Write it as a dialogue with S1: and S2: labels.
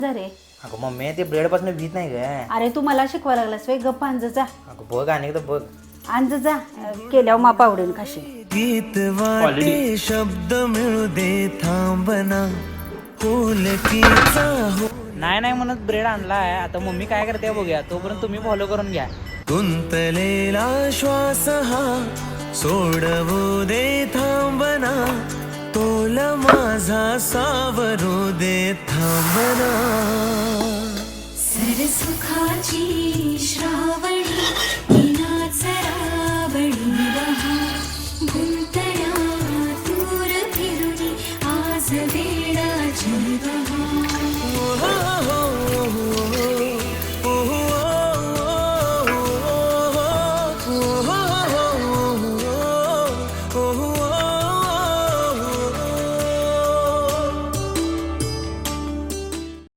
S1: जरे
S2: अगं मम्मी ते ब्रेड पासून भीत नाही ग.
S1: अरे तू मला शिकवा लागलास वे गप्प अंज जा
S2: अगं बघ अनेकदा बघ.
S1: अंज जा केल्यावर माप आवडेल खाशी
S3: गीत वाटे शब्द मिळू दे थांबना होलकीचा हो
S2: नाही नाही म्हणत ब्रेड आणलाय. आता मम्मी काय करते बघूया. तोपर्यंत तुम्ही फॉलो करून घ्या.
S3: गुंतलेला श्वास हा सोडवू दे थांबना तोल माझा सावरू दे थांबना
S4: सरसुखाची